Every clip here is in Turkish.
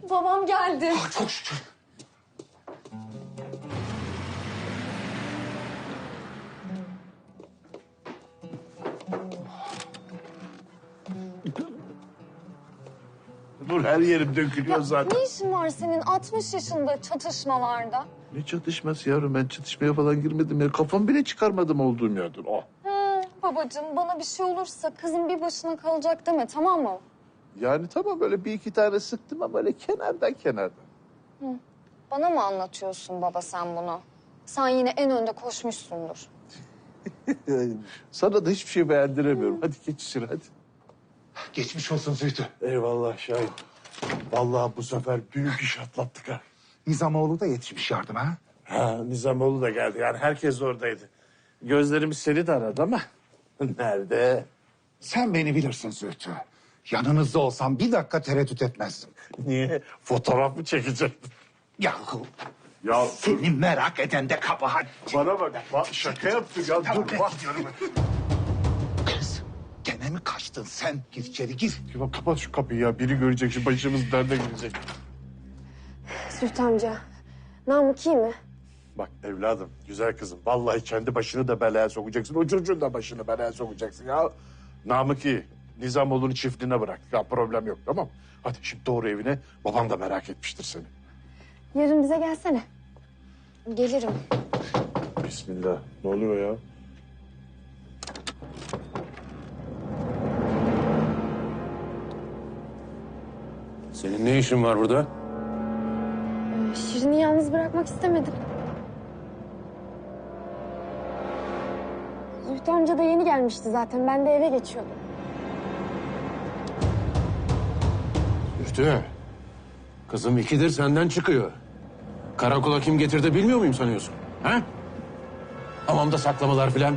Babam geldi. Çok şükür. Dur, her yerim dökülüyor zaten. Ne işin var senin 60 yaşında çatışmalarda? Ne çatışması yavrum? Ben çatışmaya falan girmedim ya. Kafam bile çıkarmadım olduğum yerden. Oh. Babacığım bana bir şey olursa kızım bir başına kalacak deme, tamam mı? Yani tamam, böyle bir iki tane sıktım ama böyle kenardan. Bana mı anlatıyorsun baba sen bunu? Sen yine en önde koşmuşsundur. Sana da hiçbir şey beğendiremiyorum. Hadi geç içeri hadi. Geçmiş olsun Zühtü. Eyvallah Şahin. Vallahi bu sefer büyük iş atlattık ha. Nizamoğlu da yetişmiş yardıma. Ha, Nizamoğlu da geldi. Yani herkes oradaydı. Gözlerimiz seni de aradı ama nerede? Sen beni bilirsin Zühtü. Yanınızda olsam bir dakika tereddüt etmezdim. Niye? Fotoğraf mı çekecektin? Yahu Ya seni merak eden de kabahat. bana bak, şaka yaptım ya. Tamam, Dur ben bak. gidiyorum. Kız gene mi kaçtın sen? Gir içeri gir. Ya kapat şu kapıyı ya. Biri görecek, şu başımız derde girecek. Zühtü amca, Namık iyi mi? Bak evladım, güzel kızım. Vallahi kendi başını da belaya sokacaksın. O çocuğun da başını belaya sokacaksın ya. Namık iyi. Nizamoğlu'nu çiftliğine bırak. Ya problem yok, tamam mı? Hadi şimdi doğru evine. Babam da merak etmiştir seni. Yarın bize gelsene. Gelirim. Bismillah. Ne oluyor ya? Senin ne işin var burada? Şirin'i yalnız bırakmak istemedim. Zühtü amca da yeni gelmişti zaten. Ben de eve geçiyordum. Üftü. Kızım ikidir senden çıkıyor. Karakola kim getirdi bilmiyor muyum sanıyorsun? Ha? Hamamda saklamalar filan.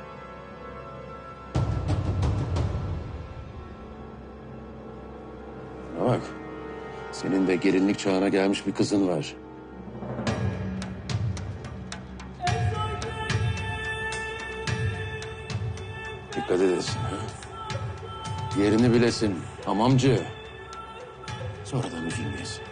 Bana bak. Senin de gelinlik çağına gelmiş bir kızın var. Dikkat edesin. Ha? Yerini bilesin. Hamamcı. Sonradan üzülmeyesin.